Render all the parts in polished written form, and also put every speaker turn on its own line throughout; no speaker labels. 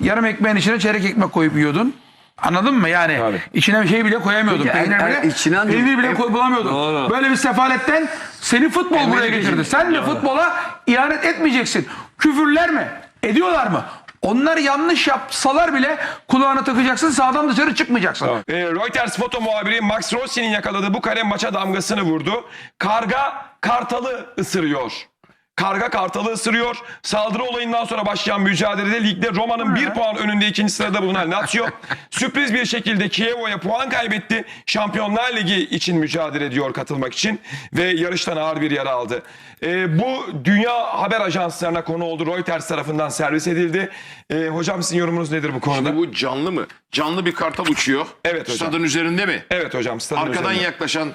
yarım ekmeğin içine çeyrek ekmek koyup yiyordun. Anladın mı? Yani
Tabii.
içine bir şey bile koyamıyordun.
Peki,
Peynir bile bulamıyordun.
Doğru.
Böyle bir sefaletten seni futbol buraya getirdi. Sen de futbola ihanet etmeyeceksin. Küfürler mi? Ediyorlar mı? Onlar yanlış yapsalar bile kulağına takacaksın, sağdan dışarı çıkmayacaksın.
Reuters foto muhabiri Max Rossi'nin yakaladığı bu kare maça damgasını vurdu. Karga kartalı ısırıyor. Karga kartalı ısırıyor. Saldırı olayından sonra başlayan mücadelede ligde Roma'nın 1 puan önünde ikinci sırada bulunan Lazio sürpriz bir şekilde Chievo'ya puan kaybetti. Şampiyonlar Ligi için mücadele ediyor katılmak için ve yarıştan ağır bir yara aldı. Bu dünya haber ajanslarına konu oldu. Reuters tarafından servis edildi. Hocam sizin yorumunuz nedir bu konuda?
Şimdi bu canlı mı? Canlı bir kartal uçuyor.
Evet hocam.
Stadın üzerinde mi?
Evet hocam.
Arkadan yaklaşan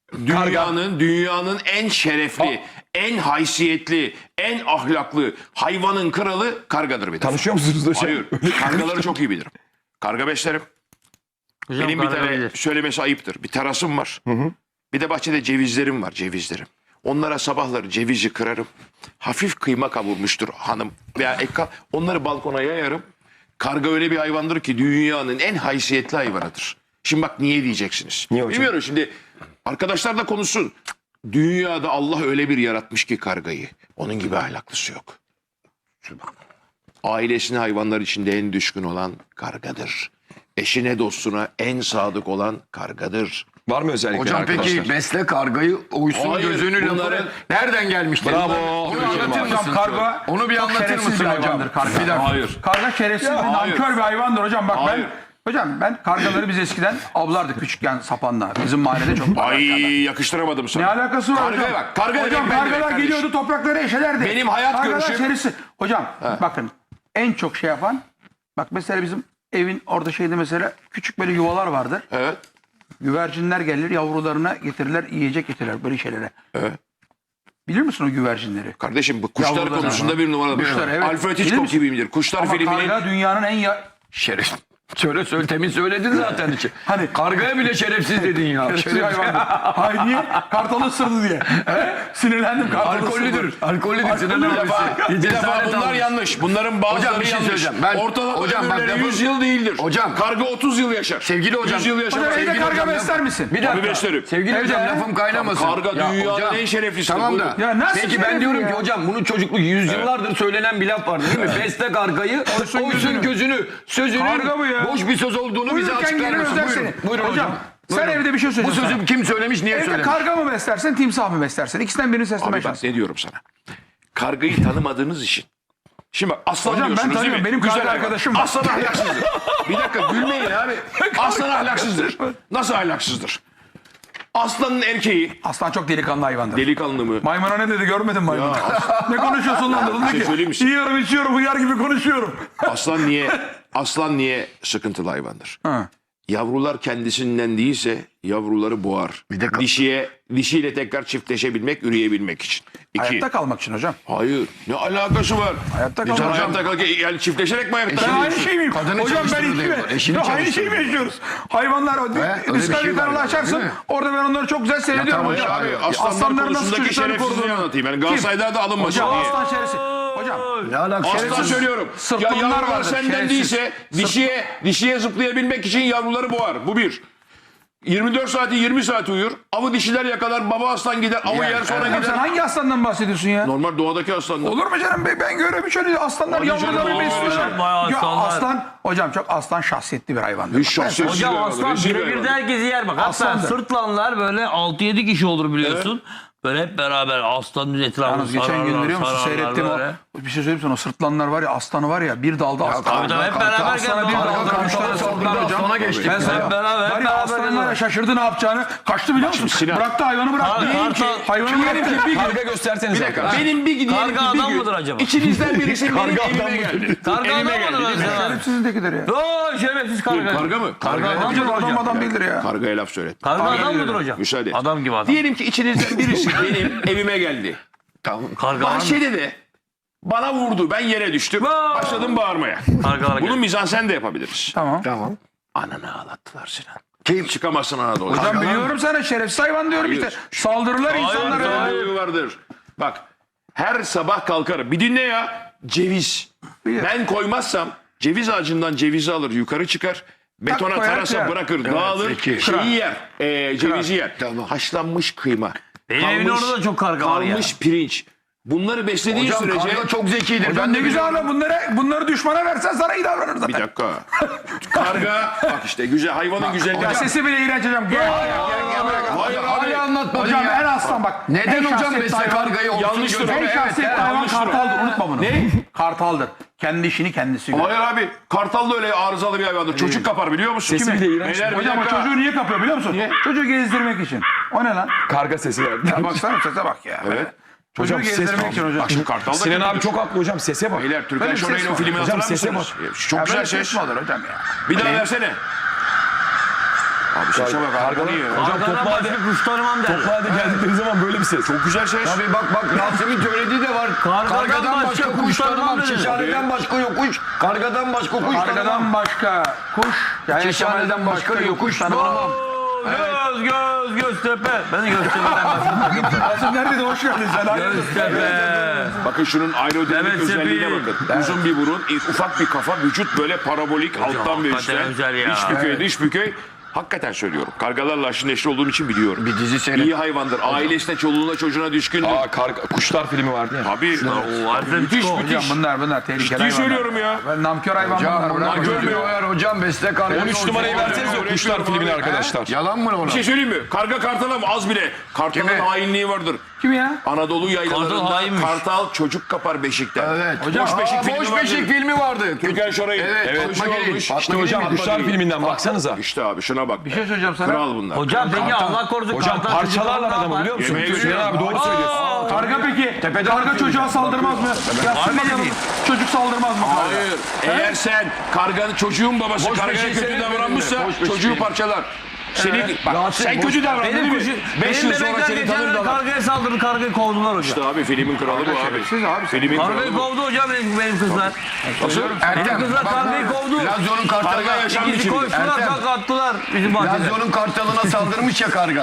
dünyanın en şerefli, en haysiyetli, en ahlaklı hayvanın kralı kargadır bir defa.
Tanışıyor musunuz hocam?
Hayır. Kargaları çok iyi bilirim. Karga beslerim.
Hocam,
Benim bir
karga
tane
bilir.
söylemesi ayıptır. Bir terasım var. Bir de bahçede cevizlerim var, cevizlerim. Onlara sabahları cevizi kırarım. Hafif kıyma kavurmuştur hanım veya onları balkona yayarım. Karga öyle bir hayvandır ki dünyanın en haysiyetli hayvanıdır. Şimdi bak niye diyeceksiniz?
Niye hocam?
Bilmiyorum şimdi arkadaşlar da konuşsun. Dünyada Allah öyle bir yaratmış ki kargayı. Onun gibi ahlaklısı yok. Ailesine hayvanlar içinde en düşkün olan kargadır. Eşine dostuna en sadık olan kargadır.
Var mı özellikle
Hocam
arkadaşlar?
peki besle kargayı uysun
Hayır,
gözünü
bunları-
lafı nereden gelmiştir?
Bravo.
Onu
Hocam,
anlatır
Hocam
mısın?
karga
Onu bir
çok
anlatır
şerefsiz
mısın
bir
hocam?
hayvandır karga.
Bir dakika.
Hayır.
Karga şerefsiz bir
hayır.
nankör bir hayvandır hocam. Bak
Hayır.
ben kargaları biz eskiden avlardık küçükken sapanla. Bizim mahallede çok
Ay
vardı.
yakıştıramadım sana.
Ne alakası var
Kargaya
hocam?
bak, karga
hocam
demek ben demek
kargalar
kardeşim.
geliyordu toprakları eşelerdi.
Benim hayat
Kargalar
görüşüm-
şerefsiz. Hocam bakın en çok şey yapan bak mesela bizim evin orada şeyde mesela küçük böyle yuvalar vardır.
Evet.
Güvercinler gelir yavrularına getirirler yiyecek getirirler böyle şeylere.
Evet.
Bilir misin o güvercinleri?
Kardeşim bu kuşlar
Yavrular
konusunda bir numaralı.
Kuşlar, evet.
Alfred
Bilir
Hitchcock
misin?
gibiyimdir. Kuşlar
Ama
filminin
karga dünyanın en
Şeref. Söyle temin söyledin zaten içi.
Hani-
Kargaya bile şerefsiz dedin ya.
şerefsiz hayvandır. Hayır niye? Kartalı ısırdı diye. Sinirlendim kartalı
Alkollüdür.
ısırdı.
Alkollüdür. Sinan
bir defa,
abisi.
bir defa
Cesaret
bunlar
almış.
yanlış. Bunların bazıları
Hocam bir şey
yanlış.
söyleyeceğim. Ben-
Ortalama
hocam bak
ömürleri
lafın-
100 yıl değildir.
Hocam-
Karga 30 yıl yaşar.
Sevgili hocam-
100 yıl yaşar.
Hocam evde
Sevgili
karga
hocam,
besler misin?
Bir dakika.
Tabii beslerim.
Sevgili
Evde-
hocam lafım kaynamasın.
Karga dünyanın en şereflisi.
Tamam da.
Buyurun.
Ya nasıl
Peki ben
şerefli
diyorum
ya?
ki hocam bunun çocukluk yüzyıllardır söylenen bir laf vardı değil mi? Besle kargayı, oysun gözünü. Sözünün
Karga bu ya.
boş bir söz olduğunu bize
Uyurken
açıklar
gelir
mısın?
özer
Buyurun.
seni.
Buyurun hocam.
Sen
Buyurun.
evde bir şey
Bu
söyleyeceksin.
sözü kim söylemiş, niye
Evde
söylemiş?
karga mı beslersin, timsah mı beslersin? İkisinden birini seslemeye
Abi bak
çalış.
ne diyorum sana. Kargayı tanımadığınız için. Şimdi bak aslan
Hocam ben
diyorsunuz değil
tanıyorum.
mi?
Benim
Güzel
karga
hayvan.
arkadaşım var.
Aslan ahlaksızdır. Bir dakika gülmeyin abi. Aslan ahlaksızdır. Nasıl ahlaksızdır? Aslanın erkeği
Aslan çok delikanlı hayvandır.
delikanlı mı?
Maymuna ne dedi görmedin maymunu? Ne konuşuyorsun lan? Dedi
şey söyleyeyim mi
ki
size?
yiyorum içiyorum hıyar gibi konuşuyorum.
Aslan niye sıkıntılı hayvandır?
Ha.
Yavrular kendisinden değilse yavruları boğar.
Bir de
Dişiyle tekrar çiftleşebilmek, üreyebilmek için. İki.
Hayatta kalmak için hocam.
Hayır. Ne alakası var?
Hayatta
Sen
kalmak.
hayatta kalk yani çiftleşerek mi hayatta
Ben
kalıyorsun?
aynı şey miyim?
Kadını
Hocam ben
çalıştırır
iki
diyorlar, eşini
mi? Aynı şey mi
çalıştırır.
yaşıyoruz? Hayvanlar o
öyle bir
Discovery
şey var
kanalı
yani,
açarsın.
değil mi?
Orada ben onları çok güzel seyrediyorum
tamam
hocam.
Abi aslanlar
Aslanların nasıl
konusundaki
çocukları
şerefsizliği
koruduğunu.
anlatayım. Yani Galatasaray'da da alınmasın
Hocam
diye.
aslan şerefsiz. Hocam.
Ne alakası?
Aslan söylüyorum. Ya
Sırtlanlar
yavrular
vardır,
senden
şerefsiz.
değilse dişiye zıplayabilmek için yavruları boğar. Bu bir. 24 saati 20 saat uyur. Avı dişiler yakalar. Baba aslan gider. Avı yer sonra
Hocam sen
gider.
hangi aslandan bahsediyorsun ya?
Normal doğadaki aslanlar.
Olur mu canım? Ben görüyorum şöyle aslanlar
Hadi canım,
yavruları
olur
besliyorlar.
bayağı
Ya
aslanlar.
aslan hocam çok aslan şahsiyetli bir hayvandır.
Hiç şahsiyetsiz bir
Hocam
hayvan,
aslan
rezil bir
birebir
hayvan.
de herkesi yer bak. Hatta
Aslandır.
sırtlanlar böyle 6-7 kişi olur biliyorsun. Böyle hep beraber aslanın etrafını
Yalnız geçen gün biliyor musun seyrettim
böyle.
o. Bir şey söyleyeyim sana o sırtlanlar var ya aslanı var ya bir dalda aslan.
Tabii tabii hep beraber
Aslana bir
geldi.
dalda üç tane saldırdı hocam.
Aslana geçtik.
Ben sana
Hep beraber,
var
hep
ya
beraber
aslan var ya
geliyorlar.
şaşırdı ne yapacağını. Kaçtı biliyor musun?
Sinan.
Bıraktı hayvanı bıraktı.
Kartal-
Diyelim ki hayvanı bıraktı.
Bir gün.
Karga gösterseniz.
Bir dakika. Benim bir gün
Karga adam mıdır acaba?
İçinizden birisi benim evime geldi.
Karga adam
Evime geldi
mıdır
değil mi?
acaba?
Şerefsizindekidir ya.
Oo şerefsiz karga.
Karga mı?
Karga adam
Hocam
mıdır hocam?
adam değildir ya.
Kargaya laf söylet.
Karga adam mıdır hocam?
Müsaade et.
Adam gibi adam.
Diyelim ki içinizden birisi benim evime geldi.
Tamam.
Karga adam.
Bahçede de bana vurdu. Ben yere düştüm. Başladım bağırmaya.
Karga
Bunu mizansen de yapabiliriz.
Tamam.
Tamam.
Ananı ağlattılar Sinan.
Kim?
Çıkamazsın Anadolu.
Hocam biliyorum sana şerefsiz hayvan diyorum işte. Saldırırlar insanlara.
Hayır vardır. Bak her sabah kalkarım. Bir dinle ya. Ceviz. Ben koymazsam Ceviz ağacından cevizi alır yukarı çıkar. Betona
koyar,
tarasa
kırar.
bırakır dağılır. Şeyi yer. Cevizi yer.
Tamam.
Haşlanmış kıyma.
Benim evin orada da çok karga var ya.
Kalmış pirinç. Bunları beslediğin
Hocam
sürece...
karga çok zekidir.
Hocam
Ben
ne
de
güzel
biliyorum.
ama bunları düşmana versen sana iyi davranır zaten.
Bir dakika. Karga bak işte güzel hayvanın güzelliği.
Ya sesi bile iğrenç hocam. Gel.
Hayır abi.
Hala anlatmadın
Hocam
ya.
en aslan bak.
Neden
en
hocam
şahsiyetli
besle
hayvan-
kargayı
Yanlış
olsun
durum.
En
götürüyor?
şahsiyetli hayvan
yanlış durum.
kartaldır. Unutma bunu.
Ne?
Kartaldır. Kendi işini kendisi görür.
Hayır abi. Kartal da öyle arızalı bir hayvandır. Çocuk kapar biliyor musun?
Sesi bile iğrenç.
Beyler, bir
Hocam o
dakika.
çocuğu niye kapıyor biliyor musun? Çocuğu gezdirmek için. O ne lan?
Karga sesi verdi.
Ya baksana sese bak ya.
Evet.
Çocuğu
Hocam ses
gezdirmek için hocam.
Bak şimdi Kartal da
Sinan abi çok haklı hocam, sese bak.
Beyler Türkan
Böyle bir
Şoray'ın
ses
o
var.
filmini
Hocam
hatırlar
sese
mısınız?
Ya
Çok güzel
böyle
ses.
mi olur hocam ya?
Bir daha versene. Abi sese bak. Harika iyi.
Hocam
Kargadan
toplağda
başka kuş tanımam derler.
geldikleri zaman böyle bir ses.
Çok güzel ses.
Tabii bak Rasim'in söylediği de var.
Kargadan başka kuş tanımam dedi.
Şeşaneden başka yokuş. Kargadan başka kuş tanımam.
Kargadan başka kuş. Yani
Şeşaneden başka yokuş tanımam.
Göztepe. Ben de Göztepe'den başladım.
Rasim neredeydi? Hoş geldin sen.
Göztepe.
Bakın şunun aerodinamik
Evet,
özelliğine
Sepi.
bakın. Uzun bir burun, ufak bir kafa, vücut böyle parabolik alttan ve
hakikaten
üstten.
güzel ya.
İç bükey, dış bükey. Hakikaten söylüyorum. Kargalarla aşırı neşli olduğum için biliyorum.
Bir dizi seyret.
İyi hayvandır. Ailesine, çoluğuna, çocuğuna düşkündür.
Kuşlar filmi vardı ya.
Abi
Müthiş
Hocam bunlar tehlikeli
ciddi
hayvanlar.
söylüyorum ya.
Ben namkör hayvan bunlar.
Bunlar
Bırak.
görmüyor ya hocam besle kargayı.
13 numarayı versenize o Kuşlar filmini arkadaşlar.
Yalan mı ona?
Bir şey söyleyeyim mi? Karga kartala mı? Az bile. Kartalın
Kime?
hainliği vardır.
Kim ya?
Anadolu
Kartal
yaylalarında
hainmiş.
kartal çocuk kapar beşikten.
Evet.
Hocam,
Boş beşik filmi
Boş
vardır.
Beşik filmi vardı.
Türkan Şoray'ın.
Evet. Fatma
bir şey
Girik.
olmuş.
Fatma
İşte hocam
Girik.
Kuşlar filminden baksanıza.
İşte abi şuna bak.
Bir şey söyleyeceğim sana.
Kral bunlar.
Hocam peki Allah korusun.
Hocam
kartal
parçalarlar
çocuklar
adamı
var.
biliyor musun?
Yemeğe
Sinan abi doğru söylüyorsun.
Karga peki. Karga çocuğa saldırmaz mı? Ya
Harbi
bakalım,
değil.
çocuk saldırmaz mı? karga?
Hayır. Eğer sen karganın çocuğun babası
Boş
kargaya
beşik
kötü
seyretmedin
davranmışsa
mi? Boş beşik
çocuğu
seyret.
parçalar. Seni bak sen kötü davrandın değil
Benim
mi?
kuşu,
5
benim
yıl sonra
bebekler
seni
geçen
tanır
gün
da.
kargaya saldırdı, kargayı kovdular hocam.
İşte abi filmin kralı bu abi.
Siz abi.
Filmin
Kargayı
kralı bu.
kovdu hocam benim kızlar. Benim kızlar kargayı kovdu.
Lazio'nun
Karga
kartalına,
yaşam
İkisi
biçimi.
koştular,
Ertem.
tak attılar bizim bahçede.
Lazio'nun kartalına saldırmış ya karga.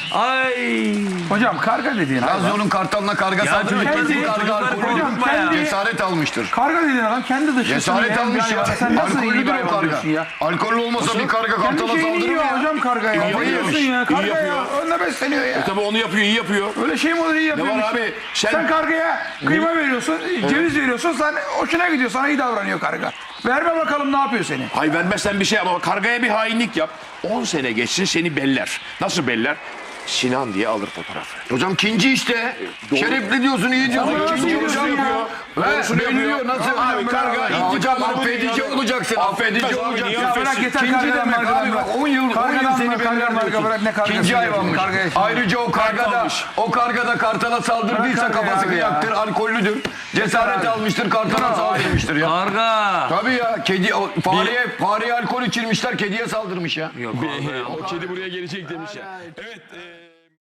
Ay.
Hocam karga dediğin hayvan.
Lazio'nun kartalına karga saldırmış.
kendi-
Bu karga
çocukları
alkolü.
Hocam kendi
Cesaret almıştır.
karga dediğin adam kendi dışısını
Cesaret
yiyen bir
almış ya.
hayvan. Sen nasıl iyi bir
Alkollüdür o
hayvan
karga.
diyorsun ya?
Alkollü olmasa bir karga
Kendi
kartala
şeyini
saldırır
yiyor
mı ya?
hocam karga ya.
İyi
Ne diyorsun
yapıyor.
ya?
İyi
Karga ya.
yapıyor.
Önüne besleniyor ya.
Tabii onu yapıyor, iyi yapıyor.
Öyle şey mi olur iyi
Ne
yapıyormuş.
var abi?
Sen kargaya kıyma veriyorsun, ceviz veriyorsun, sen hoşuna gidiyor, sana iyi davranıyor karga. Verme bakalım ne yapıyor seni.
Hay vermezsen bir şey ama kargaya bir hainlik yap. 10 sene geçsin seni beller. Nasıl beller? Sinan diye alır fotoğrafı.
Hocam kinci işte. Şerefli diyorsun, iyi diyorsun.
Ama
Kinci
doğrusunu
hocam
yapıyor.
ya.
Doğrusunu
Belirliyor.
yapıyor.
Nasıl?
Abi karga
Ya
intikam
hocam
alır,
affedici
alır.
olacaksın.
Affetmez
Affedici
abi,
olacaksın.
niye
Ya bırak
affetsin?
yeter
Kinci
kargadan
demek
margadan
abi
bırak.
bak 10 yıl
Kargadan
seni
mı, kargadan marga
belirliyorsun.
bırak ne kargası
Kinci
diyorsun,
hayvanmış.
kargaya şimdi.
Ayrıca o karga da kartala saldırdıysa
Bırak kargayı
kafası
abi ya.
kıyaktır, alkollüdür. Cesaret
abi.
almıştır, kartala saldırmıştır ya.
Karga.
Tabii ya, fareye alkol içirmişler, kediye saldırmış ya.
O kedi buraya gelecek demiş ya. Evet.